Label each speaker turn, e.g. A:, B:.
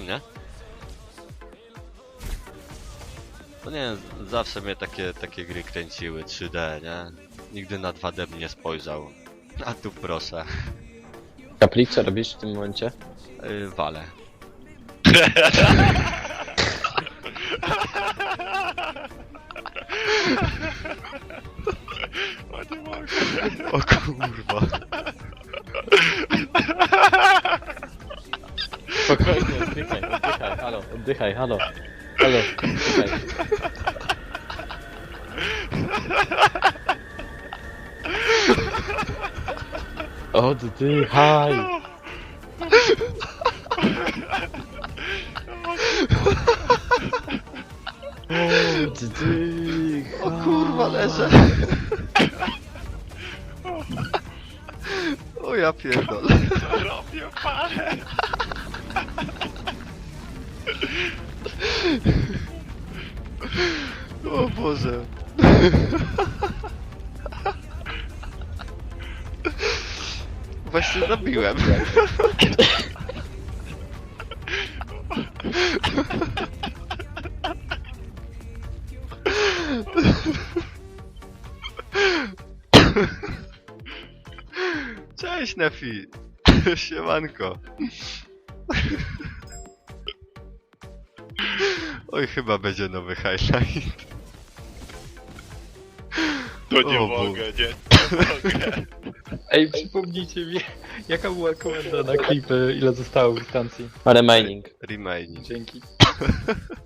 A: nie? No nie, zawsze mnie takie gry kręciły, 3D, nie? Nigdy na 2D bym nie spojrzał. A tu proszę.
B: Kaplik, co robisz w tym momencie?
A: Wale. O kurwa.
B: Spokojnie, oddychaj, halo, oddychaj, halo. Halo, oddychaj. Oddychaj! Oddychaj!
A: O kurwa, leżę. O ja pierdolę.
C: Robię parę.
A: O Boże. Właśnie zabiłem. Cześć Nefi. Siemanko. Oj, chyba będzie nowy highlight.
C: To nie
A: O
C: mogę, nie mogę.
D: Ej, przypomnijcie mi, jaka była komenda na klipy, ile zostało w instancji.
B: Remaining.
A: Remaining.
D: Dzięki.